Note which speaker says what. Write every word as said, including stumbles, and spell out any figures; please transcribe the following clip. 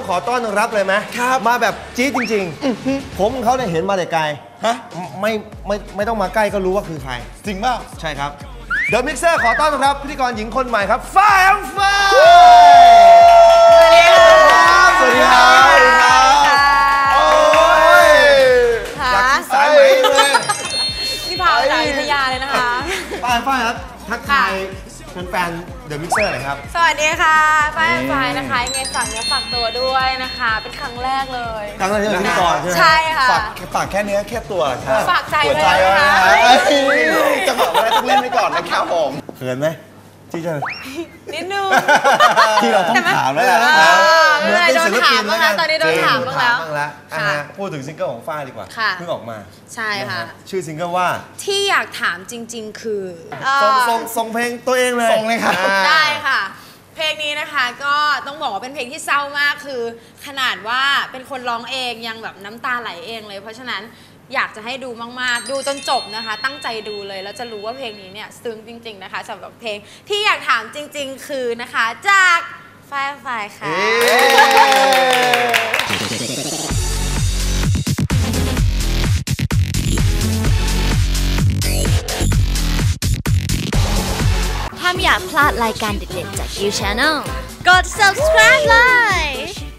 Speaker 1: ขอต้อนรับเลยไหมครับมาแบบจี๊ดจริงๆผมเขาเนี่ยเห็นมาแต่ไกลฮะไม่ไม่ไม่ต้องมาใกล้ก็รู้ว่าคือใครจริงเปล่าใช่ครับเดอะมิกเซอร์ขอต้อนรับพิธีกรหญิงคนใหม่ครับฝ้ายอัมฟ้าสวัสดีครับสวัสดีครับโอ้ยอยากกินสายไหมเลย
Speaker 2: นี่พาไปจากอยุธยาเลยนะคะ
Speaker 1: ฝ้ายฝ้ายครับทักทายแฟนๆเดอะมิกเซอร์หน่อยครับ
Speaker 2: สวัสดีค่ะฝ้ายฝ้ายนะคะยังไงฝากเนื้อฝากตัวด้วยนะคะเป็นครั้งแรกเลย
Speaker 1: ครั้งแรกที่เป็นพิธีกรใช่ไหม
Speaker 2: ใช่ค่ะ
Speaker 3: ฝากฝากแค่เนื้อแค่ตัวครับ
Speaker 2: ฝากใจเลยนะคะ
Speaker 3: จะบอกว่าต้องเล่นไว้ก่อนนะครับผม
Speaker 1: เขินไหมที่จะ
Speaker 2: นิดนึง
Speaker 1: ที่เราต้องถามแล้วนะ
Speaker 2: เหมือนเป็นศิลปินแล้วกันตอนนี้โดนถามบ้างแล้ว
Speaker 1: พูดถึงซิงเกิลของฝ้ายดีกว่าเพิ่งออกมา
Speaker 2: ใช่ค่ะ
Speaker 1: ชื่อซิงเกิลว่า
Speaker 2: ที่อยากถามจริงๆคือ
Speaker 1: ส่งส่งส่งเพลงตัวเองเลย
Speaker 3: ส่งเลยครับ
Speaker 2: ได้ค่ะเพลงนี้นะคะก็ต้องบอกว่าเป็นเพลงที่เศร้ามากคือขนาดว่าเป็นคนร้องเองยังแบบน้ำตาไหลเองเลยเพราะฉะนั้นอยากจะให้ดูมากๆดูจนจบนะคะตั้งใจดูเลยแล้วจะรู้ว่าเพลงนี้เนี่ยซึ้งจริงๆนะคะสำหรับเพลงที่อยากถามจริงๆคือนะคะจากฝ้ายฝ้ายค่ะ
Speaker 4: ถ้าไม่อยากพลาดรายการเด็ดๆจาก You Channel กด subscribe เลย